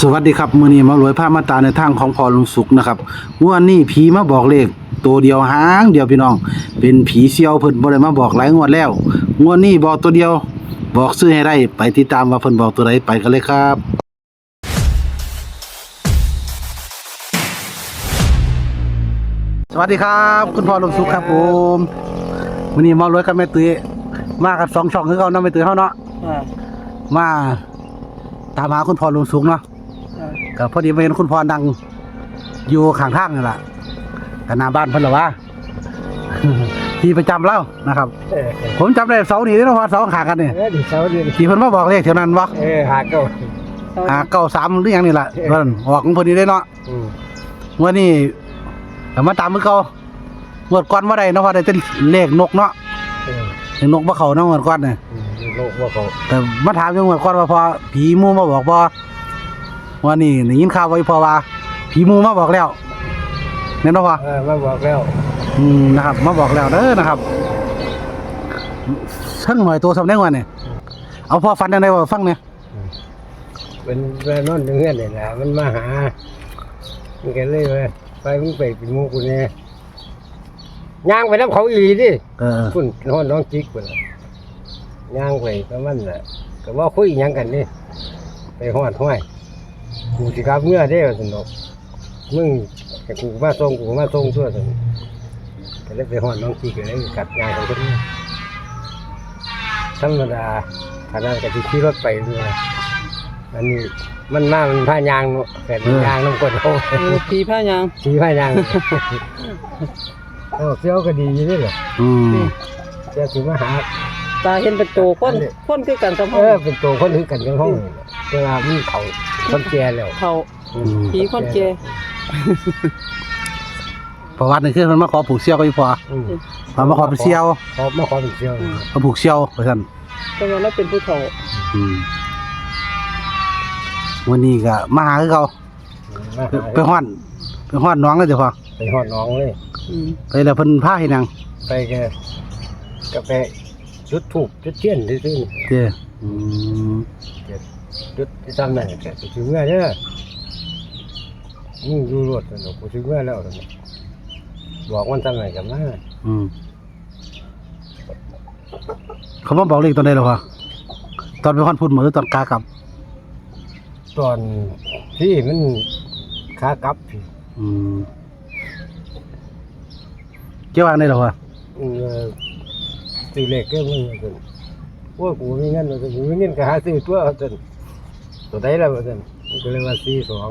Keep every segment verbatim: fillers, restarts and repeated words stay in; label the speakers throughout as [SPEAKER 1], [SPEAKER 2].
[SPEAKER 1] สวัสดีครับมื้อนี้มารวยผ้ามาตาในทางของพอลุงสุขนะครับงวดนี้ผีมาบอกเลขตัวเดียวหางเดียวพี่น้องเป็นผีเสี่ยวเพิ่นบ่ได้มาบอกหลายงวดแล้วงวดนี้บอกตัวเดียวบอกซื้อให้ได้ไปติดตามว่าเพิ่นบอกตัวใดไปกันเลยครับสวัสดีครับคุณพ่อลุงสุขครับผมมื้อนี้มารวยกับแม่ตุ้ยมากับสองช่องคือเก่าเนาะแม่ตุ้ยเฮาเนาะมาตามหาคุณพ่อลุงสุขเนาะก็พอดีไปเห็นคุณพ่อนั่งอยู่ข้างทางนี่แหละกันหน้าบ้านเพิ่นหรอวะ ที่ประจำแล้วนะครับผมจำได้เสาร์นี้ที่เราพอเสาขากันนี่ที่เพิ่นมาบอกเลขเท่านั้นวะ
[SPEAKER 2] เออหาเก้า
[SPEAKER 1] หาเก้าสามหรือยังนี่แหละเพิ่นออกของเพิ่นนี่ได้เนาะวันนี้แต่มาตามมือเก่างวดก่อนบ่ได้เนาะพอได้แต่เลขนกเนาะเลขนกบ่เข้าเนาะงวดก่อนนี่
[SPEAKER 2] นกบ่เข้า
[SPEAKER 1] แต่มาถามอยู่งวดก่อนว่าพอผีหมู่มาบอกบ่วันนี้ได้ยินข่าวไว้พอว่าผีหมู่มาบอกแล้วแม่นบ่พ่อ
[SPEAKER 2] เออมาบอกแล้ว
[SPEAKER 1] อืมนะครับมาบอกแล้วเด้อนะครับทั้งหน่อยตัวสำเร็จวันนี่เอาพ่อฟันได้บ่ฟังเนี่ย
[SPEAKER 2] เป็นแม่นอนเงื่อนนี่แหละมันมาหามันก็เลยว่าไปมึงไปเป็นหมู่กูเนี่ยย่างไปน้ำเขาอีหลีดิ
[SPEAKER 1] เออ
[SPEAKER 2] คุณนอนน้องจิกพุ่นย่างไปประมาณน่ะก็ว่าคุยหยังกันนี่ไปฮอดห้วยกูสิกลับเมื่อเด้อสนุกมึงให้กูมาส่งกูมาส่งทั่วสนุกก็เลยไปฮอดน้องจิกก็เลยกัดงานของคนนี้ธรรมดาขนาดก็สิขี่รถไปด้วยอันนี้มันมามันผ้ายางเนาะแต่ยางน้ำกดเอา
[SPEAKER 3] ผีผ้ายาง
[SPEAKER 2] ผีผ้ายางเออเสี้ยวก็ดีอยู่นี่แหละ
[SPEAKER 1] อืม
[SPEAKER 2] จะถึงมาหา
[SPEAKER 3] ตาเห็นเป็นโตคนคนคือกันกับห้
[SPEAKER 2] องเออเป็นโตคนคือกันกับห้องเวลามีเขาคนแก่แล้ว
[SPEAKER 3] เขาผีคนแก่
[SPEAKER 1] ประวัตินี่คือมันมาขอผูกเสี่ยวก็อยู่พอมามาขอเป็นเสี่ยว
[SPEAKER 2] เขามาขอเป็นเสี่ยว
[SPEAKER 1] มาผูกเสี่ยวไปซั่น
[SPEAKER 3] แต่ว่าเราเป็นผู้เฒ่า
[SPEAKER 1] อืมวันนี้ก็มาหาคือเก่าไปฮ้อนไปฮ้อนน้องเลยเจ้าพ่อ
[SPEAKER 2] ไปฮอดน้องเลย
[SPEAKER 1] ไปแล้วเพิ่นพาให้นาง
[SPEAKER 2] ไปแกกาแฟจุดถูกจุดเทียนซื่อ
[SPEAKER 1] ๆเด้ออืม
[SPEAKER 2] จุดที่ทำนั่นแกถึงเมื่อเด้อมึงอยู่รถเนาะกูถึงเมื่อแล้วบอกมันทำไหนกันมา
[SPEAKER 1] อืมเขามาบอกเลขตอนใดล่ะพ่อตอนไปฮ้อนพุ่นมื้อตอนกากลับ
[SPEAKER 2] ตอนที่มันขากลับพี่
[SPEAKER 1] อืมเกี่ยวกับได้หรอวะ
[SPEAKER 2] สี่เล็กก็มึงจนว่ากูมีเงินจนกูมีเงินก็หาซื้อตัวจนตัวใดแล้วจนก็เลยว่าสี่สอง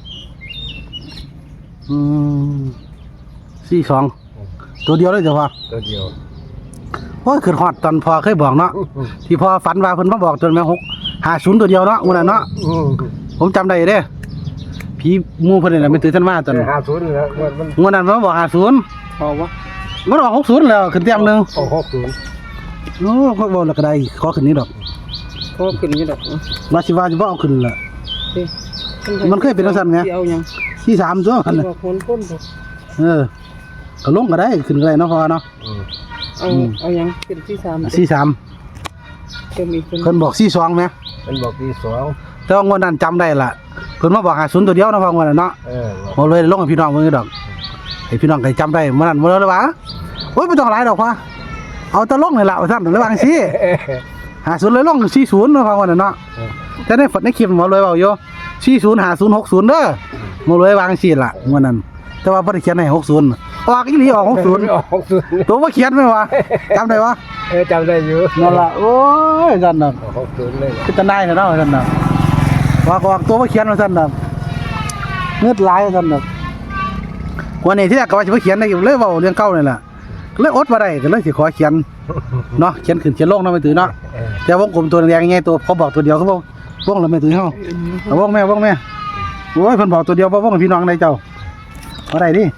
[SPEAKER 1] อืมสี่สองตัวเดียวเลยเจ้าพ่อ
[SPEAKER 2] ตัวเดียว
[SPEAKER 1] โอ้ยขึ้นฮอดตอนพ่อเคยบอกเนาะที่พ่อฝันว่าเพิ่นมาบอกจนแม่หกห้าศูนย์ตัวเดียวเนาะมื้อนั้นเนาะผมจำได้เด้ผีหมู่เพิ่นนี่แหละไม่ตื่นทันมาตอน
[SPEAKER 2] ห้าศูนย์แล้ว
[SPEAKER 1] มันมื้อนั้นมันบอกห้าศูนย์
[SPEAKER 3] พอวะ
[SPEAKER 1] มันออกหกศูนย์แล้วขึ้นเต็มนึง
[SPEAKER 2] ออกหกศูนย์
[SPEAKER 1] โอ้ก็บ่แล้วก็ได้ขอขึ้นนี้ดอก
[SPEAKER 3] ขอขึ้นนี้ดอก
[SPEAKER 1] ว่าสิว่าสิบ่เอาขึ้นล่ะมันเคยเป็นจังซั่นไง
[SPEAKER 3] เอาหยัง
[SPEAKER 1] สี่สามซั่วคั่นน่ะเออก็ลงก็ได้ขึ้นก็ได้เนาะพ่อเนาะ
[SPEAKER 3] เอาเอาหยังเป็นสี่สาม
[SPEAKER 1] สี่สามเพิ่นบอกสี่สองมั้ย
[SPEAKER 2] เพิ่นบอกสี่สอง
[SPEAKER 1] แต่ว่างวดนั้นจำได้ล่ะเพิ่นมาบอกห้าศูนย์ตัวเดียวเนาะพ่องวดนั้นเนาะเออบ่เลยลงให้พี่น้องเบิ่งดอกให้พี่น้องก็จำได้มื้อนั้นบ่เลยว่าโอ้ยบ่ต้องหลายดอกพ่อเอาแต่ลงนี่ล่ะว่าซั่นเลยว่าจังซี่ห้าศูนย์เลยลงสี่ศูนย์เนาะพ่องวดนั้นเนาะแต่ในฝันในคลิปบ่เลยเว้าอยู่สี่ศูนย์ ห้าศูนย์ หกศูนย์เด้อบ่เลยวางจังซี่ล่ะงวดนั้นแต่ว่าบ่ได้เขียนให้หกศูนย์ออกอีหลีออกหกศูนย์
[SPEAKER 2] ออกหกศูนย์
[SPEAKER 1] ตัวบ่เขียนแม่นว่าจำได้บ่
[SPEAKER 2] เออจำได้อยู่
[SPEAKER 1] นั่นล่ะโอ้ยซั่นน่ะ
[SPEAKER 2] หกศูนย์เลย
[SPEAKER 1] คือตะนายเนาะซั่นน่ะว่าออกตัวบ่เขียนว่าซั่นน่ะเงือดหลายว่าซั่นน่ะวันนี้ที่แรกก็ว่าจะไปเขียนได้เลยเว้าเรื่องเก่านี่แหละเลยอดบ่ได้ก็เลยสิขอเขียนเนาะเขียนขึ้นเขียนลงเนาะไม่ตื่นเนาะแต่วงกลมตัวแดงๆไงตัวเขาบอกตัวเดียวเขาบอกวงแล้วไม่ตื่นเฮาเอาวงแม่วงแม่โอ้ยเพิ่นบอกตัวเดียวบ่วงพี่น้องได้เจ้าบ่ได้ดิ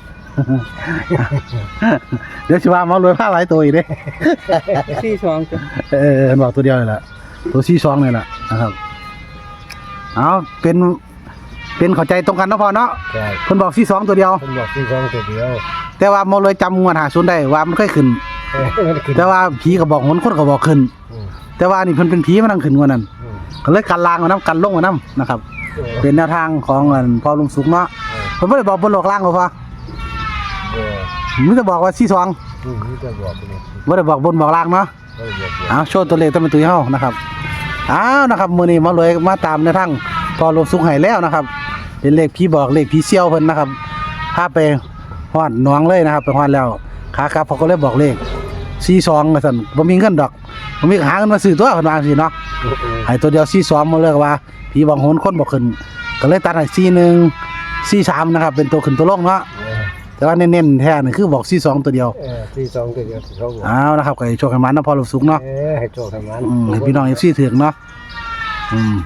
[SPEAKER 1] เดี๋ยวสิว่าหมารวยพาหลายตัวอีกเด้
[SPEAKER 3] สี่สองจ้ะ
[SPEAKER 1] เออเพิ่นบอกตัวเดียวนี่แหละตัวสี่สองนี่แหละนะครับเอาเป็นเป็นเข้าใจตรงกันเนาะพ่อเนาะ
[SPEAKER 2] ใช่
[SPEAKER 1] เพิ่นบอกสี่สองตัวเดียว
[SPEAKER 2] เพิ่นบอกสี่สองตัวเดียว
[SPEAKER 1] แต่ว่าหมอเลยจำงวดห้าศูนย์ได้ว่ามันเคยขึ้นแต่ว่าผีก็บอกหนคนก็บอกขึ้นแต่ว่านี่เพิ่นเป็นผีมันนั่งขึ้นงวดนั้นก็เลยกันลางมานํกันลงมานํนะครับเป็นแนวทางของอันพอลุงสุกเนาะเพิ่นบ่ได้บอกบนโลกล่างบ่พอ
[SPEAKER 2] เออ
[SPEAKER 1] มันจะบอกว่าสี่สอง
[SPEAKER 2] อืมนี่จะบอกไปเลย
[SPEAKER 1] บ่ได้บอกบนบอกล่างเนาะ
[SPEAKER 2] ก็เลยบอก
[SPEAKER 1] เอาโชว์ตัวเลขต้องเป็นตัวเฮานะครับอ้าวนะครับมื้อนี้มาเลยมาตามแนวทางพอลุงสุกให้แล้วนะครับเป็นเลขพี่บอกเลขพี่เสี่ยวเพิ่นนะครับพาไปฮอดหนองเลยนะครับไปฮอดแล้วขากลับเขาก็เลยบอกเลขสี่สองว่าซั่นบ่มีเงินดอกบ่มีหาเงินมาซื้อตัวเพิ่นว่าจังซี่เนาะ ให้ตัวเดียวสี่สองมาเลือกว่าผีบางโหนคนบอกขึ้นก็เลยตัดให้สี่หนึ่งสี่สามนะครับเป็นตัวขึ้นตัวลงเนาะแต่ว่าเน้นๆแท้นี่คือบอกสี่สองตัวเดียว
[SPEAKER 2] เออที่สองตัวเดียวที่เขาบอก
[SPEAKER 1] อ้าวนะครับก็ให้โชคให้มันนะพอลูกสุกเนาะ
[SPEAKER 2] เออให้โจทย์ทำงาน
[SPEAKER 1] อืมให้พี่น้องเอฟซีถึงเนาะอืม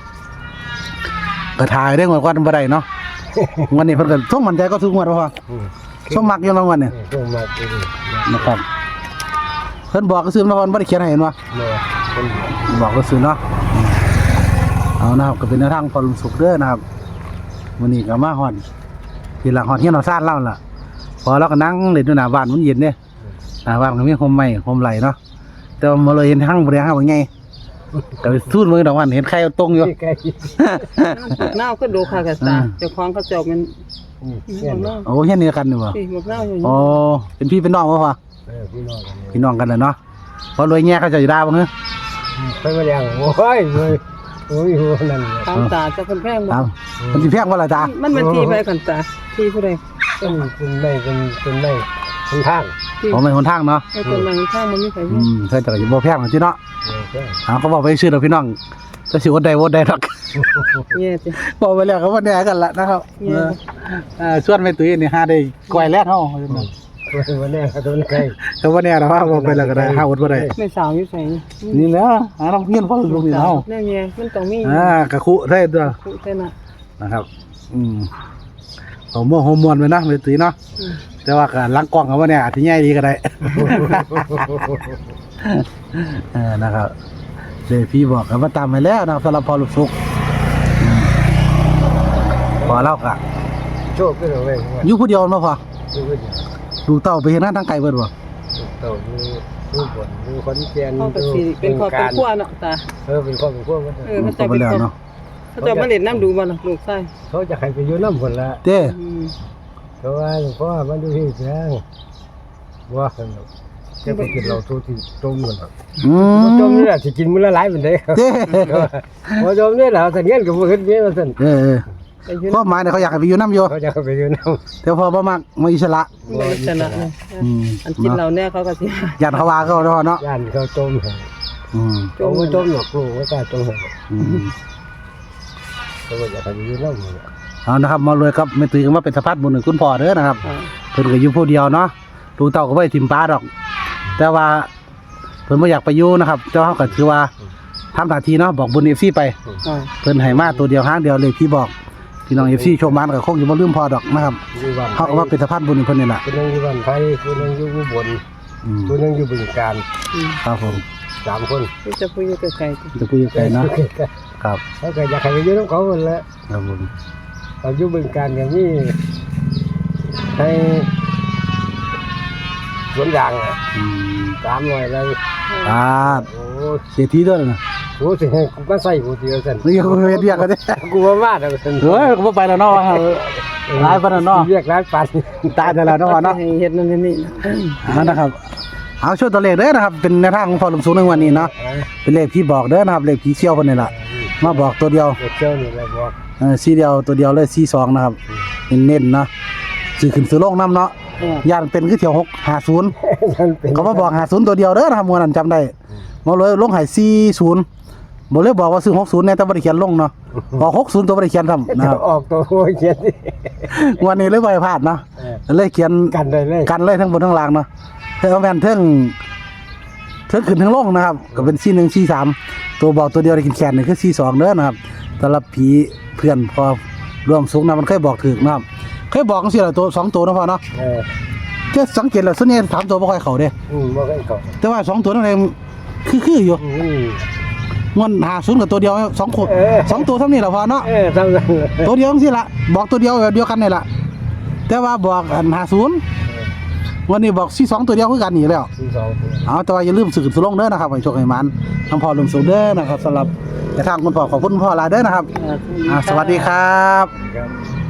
[SPEAKER 1] ก็ถ่ายได้งวดก่อนบ่ได้เนาะวันนี้เพิ่นก็ส่งมั่นใจก็ทุกงวดว่า
[SPEAKER 2] อืม
[SPEAKER 1] ส่งมักอยู่รางวัลเนี่ย
[SPEAKER 2] ส่งมาตัวนี้
[SPEAKER 1] นะครับเพิ่นบอกก็ซื้อมาก่อนบ่ได้เขียนให้เห็นว่า
[SPEAKER 2] เมื่อคนเดียว
[SPEAKER 1] บอกก็ซื้อเนาะอืมเอานะครับก็เป็นแนวทางพอลุงสุกเด้อนะครับวันนี้ก็มาฮอดที่หลังฮอดเฮียนเอาซ่านเล่าล่ะพอเราก็นั่งเล่นอยู่หน้าบ้านมันเย็นเด้หน้าบ้านก็มีโฮมไม้โฮมไหลเนาะแต่ว่ามาเลยเห็นหั่งบ่ได้หั่งว่าไงก็ไปสู้มือดอกวันเห็นใครเอาตรงอยู่
[SPEAKER 2] ใกล้
[SPEAKER 3] หน้าก็ดูค่ะกับตาเจ้าของเขาเจ้ามัน
[SPEAKER 2] อืม
[SPEAKER 3] ห
[SPEAKER 2] เงี้ย
[SPEAKER 3] มกหน้า
[SPEAKER 1] โอ้เฮียนนี่กันนี่บ่
[SPEAKER 3] พี่หมกหน้าอยู่
[SPEAKER 1] อ๋อเป็นพี่เป็นน้องบ่พ่อ
[SPEAKER 2] เออพี่น้องกันเนี่ย
[SPEAKER 1] พี่น้องกันแหละเนาะพอรวยแง่เขาจะอยู่ด่าบ่เฮ้อ
[SPEAKER 2] ไปมาแล้วโอ้ยเลยโอ้ยหัวนั่นเลย
[SPEAKER 3] ตามตาจะเป็นแพงบ่
[SPEAKER 1] ตามมันสิแพงบ่ล่ะจ้า
[SPEAKER 3] มันเป็นที่ไปกันตาที่ผู้ใด
[SPEAKER 2] เป็นเป็นไม่เป็นเป็นไม่เป็นทาง
[SPEAKER 3] ที่
[SPEAKER 1] บ่แม่นหนทางเนาะ
[SPEAKER 3] ไอ้คนมันข้างมันไม่ใช่
[SPEAKER 1] อืมเพิ่นจะก็สิบ่แพงหรอกติเนาะ
[SPEAKER 2] เออใช่
[SPEAKER 1] หาเขาบอกไปซื้อดอกพี่น้องจะสิอดได้บ่ได้ดอก
[SPEAKER 3] เนี่ยจิ
[SPEAKER 1] บอกไปแล้วก็บ่แน่กันละนะครับเออเอ่อส่วนแม่ตุ้ยนี่หาได้ก้อยแรกเฮา
[SPEAKER 2] ตัววันนี้เขาโดนใคร
[SPEAKER 1] ก็บ่แน่ดอกว่าบอกไปแล้วก็ได้หาอดบ่ได้
[SPEAKER 3] ไม่สาวอยู่ใส่
[SPEAKER 1] นี่แหละหาน้ำเพี้ยนพอลูกนี่เฮา
[SPEAKER 3] แน่เงี้ยมันต้องมี
[SPEAKER 1] อ่ากะคุได้ตัว
[SPEAKER 3] คุเท่าน่ะ
[SPEAKER 1] นะครับ อืมเอาหม้อฮอร์โมนไว้นะแม่ตุ้ยเนาะแต่ว่าก็หลังกล้องก็บ่แน่อาจสิใหญ่ดีก็ได้ เออนะครับเลยพี่บอกกันว่าตามไปแล้วนะครับสำหรับพอลูกสุกอืมพอเล่ากะ
[SPEAKER 2] โชคก็เลยว่า
[SPEAKER 1] อยู่ผู้เดียวมาพอ
[SPEAKER 2] ดูก็อย่าง
[SPEAKER 1] ลูกเต้าไปเห็นหน้าทางไกลเบิดบ่
[SPEAKER 2] เต่าดูดูบนดูคนแก่น
[SPEAKER 3] เขาก็สิเป็นครอบเป็นครัวเนาะตา
[SPEAKER 2] เออเป็นครอบเป็นครัวมัน
[SPEAKER 3] เออเขา
[SPEAKER 1] ก็
[SPEAKER 3] จะ
[SPEAKER 1] ไป
[SPEAKER 3] เป็น
[SPEAKER 1] แล้ว
[SPEAKER 3] ครอบ
[SPEAKER 1] เนาะ
[SPEAKER 3] เขาจะมาเล่นน้ำดูบ่ล่ะลูกชาย
[SPEAKER 2] เขาจะให้ไปอยู่น้ำคนละ
[SPEAKER 1] เต้
[SPEAKER 3] อืม
[SPEAKER 2] เพราะว่าหลวงพ่อมันดูที่เสียงว่าสนุกจะไปกินเราทุกที่จมกัน
[SPEAKER 1] อืม
[SPEAKER 2] จมนี่แหละจะกินมื้อละหลายเป็นเด้
[SPEAKER 1] เต้
[SPEAKER 2] พอจมนี่แหละสัญญาณกับเฮ็ดเบี้ยมาสั่น
[SPEAKER 1] เออเออ
[SPEAKER 3] ไปยืน
[SPEAKER 2] Dạ.
[SPEAKER 1] ความหมายเนี่ยเขาอยากให้ไปอยู่น้ำอยู่
[SPEAKER 2] เขาจะไปอยู่น้
[SPEAKER 1] แต่พอบ่มักมาอิสระ
[SPEAKER 3] ไม่ชนะเลย
[SPEAKER 1] อืม
[SPEAKER 3] อันกินเราเนี่ยเขาก็สิ
[SPEAKER 1] ยันเขาว่าเขาเนาะเนาะ
[SPEAKER 2] ำย่านเขาจมให้
[SPEAKER 1] อืม
[SPEAKER 2] จมจมหรอกลูกไม่กล้าจมให้
[SPEAKER 1] อืม
[SPEAKER 2] เขาก็อยากให้ไปอยู่น้ำเลย
[SPEAKER 1] เอานะครับมาเลยครับแม่ตุ้ยก็มาเป็นสะพานบุญให้คุณพ่อเด้อนะครับ
[SPEAKER 3] อ่า
[SPEAKER 1] เพิ่นก็อยู่ผู้เดียวเนาะลูกเต้าก็บ่ได้ทิ่มป้าดอก แต่ว่าเพิ่นบ่อยากไปอยู่นะครับเจ้าเฮาก็ถือว่าทำหน้าที่เนาะบอกบุญ เอฟ ซี ไป
[SPEAKER 3] อ่า
[SPEAKER 1] เพิ่นให้มาตัวเดียวหางเดียวเลยพี่บอกพี่น้อง เอฟ ซี โชคมันก็คงอยู่บ่ลืมพอดอกนะครับ
[SPEAKER 2] อยู่บ้าน
[SPEAKER 1] เฮาก็ว่าเป็นสะพานบุญให้เพิ่นนี่ล่ะ
[SPEAKER 2] คนนึงอยู่บ้านไทยคนนึงอยู่อุบล
[SPEAKER 1] อืม
[SPEAKER 2] คนนึงอยู่บึงกาฬ
[SPEAKER 3] อืม
[SPEAKER 1] ครับผม
[SPEAKER 2] สามคน
[SPEAKER 3] ที่จะพูดอยู่ไกลๆจ้ะ
[SPEAKER 1] จะพูดยังไงเนาะครับ
[SPEAKER 2] เขาก็อยากให้ไปอยู่น้ำเขาหมดแล้ว
[SPEAKER 1] ครับผม
[SPEAKER 2] เราอยู่บึงการอย่างนี้ให้สวนยางอ่ะ
[SPEAKER 1] อืม
[SPEAKER 2] สามหน่อยเลย
[SPEAKER 1] อ่า
[SPEAKER 2] โอ้
[SPEAKER 1] เสียทีด้วยนะ
[SPEAKER 2] โหสิให้กูมาใส่กูเดียวสัน
[SPEAKER 1] นี่ก็เฮ็ดเวียกกันเด้
[SPEAKER 2] กูว่ามาแล้วสัน
[SPEAKER 1] เฮ้ยก็บ่ไปแล้วเนาะว่าหลายปานนั้นเนาะ
[SPEAKER 2] เรียกร้านปัน
[SPEAKER 1] ตายแต่แล้วเนาะพ่อเนาะ
[SPEAKER 3] ให้เฮ็ดนั่นนี่นะ
[SPEAKER 1] เอานะครับ เอาช่วยตัวเลขเด้อนะครับ เป็นแนวทางของพ่อลุงสูงในวันนี้เนาะเป็นเลขที่บอกเด้อนะครับเลขผีเชี่ยวเพิ่นนี่ล่ะมาบอกตัวเดียว
[SPEAKER 2] เด็กเจ้านี่เราบอก
[SPEAKER 1] เออสีเดียวตัวเดียวเลยสี่สองนะครับเน้นๆเนาะซื้อขึ้นซื้อลงนํเนาะ
[SPEAKER 3] อ่า
[SPEAKER 1] ย่านเป็นคือเที่ยวหกห้าศูนย์
[SPEAKER 2] มันเป็น
[SPEAKER 1] เขามาบอกห้าศูนย์ตัวเดียวเด้อนะครับมื้อนั้นจำได้มาเลยลงให้สี่ศูนย์บ่เลยบอกว่าซื้อหกศูนย์แน่แต่บ่ได้เขียนลงเนาะบอกหกศูนย์ตัวบ่ได้เขียนทำนะครับ
[SPEAKER 2] ออกตัวโอ้ยเขียนดิ
[SPEAKER 1] วันนี้เลยบ่ให้พลาดเนาะเลยเขียน
[SPEAKER 2] กันได้เลย
[SPEAKER 1] กันเลยทั้งบนทั้งล่างเนาะเท่าแม่นเทิงเทิงขึ้นทั้งลงนะครับ ก็เป็นสี่หนึ่งสี่สามตัวบอกตัวเดียวได้กินแขนนี่คือสี่สองเด้อนะครับสำหรับผีเพื่อนพอร่วมสุขนะมันเคยบอกถึกนะครับเคยบอกจังซี่ล่ะตัวสองตัวนะพ่อเนาะ
[SPEAKER 2] เออ
[SPEAKER 1] แค่สังเกตแล้วส่วนใหญ่สามตัวบ่ค่อยเข้าเด้
[SPEAKER 2] อืมบอกให้เขา
[SPEAKER 1] แต่ว่าสองตัวนั่นเองคือคืออยู่
[SPEAKER 2] อืม
[SPEAKER 1] มันหาศูนย์กับตัวเดียวสองคน
[SPEAKER 2] เออ
[SPEAKER 1] สองตัวเท่านี้แหละพ่อเนาะ
[SPEAKER 2] เออทำกันเลย
[SPEAKER 1] ตัวเดียวจังซี่ล่ะบอกตัวเดียวแบบเดียวกันนี่ล่ะแต่ว่าบอกอันหาศูนย์วันนี้บอกสี่สองตัวเดียวคือกันนี่แล้ว
[SPEAKER 2] ที่สองตัว
[SPEAKER 1] เอาแต่ว่าอย่าลืมสื่อสุลงเด้อนะครับให้โชคให้มันน้ำพอลมสูงเด้อนะครับสำหรับแต่ทางคุณพ่อขอบคุณคุณพ่อหลายเด้อนะครับ
[SPEAKER 3] เออ
[SPEAKER 1] อ่าสวัสดีครับ
[SPEAKER 2] ครับ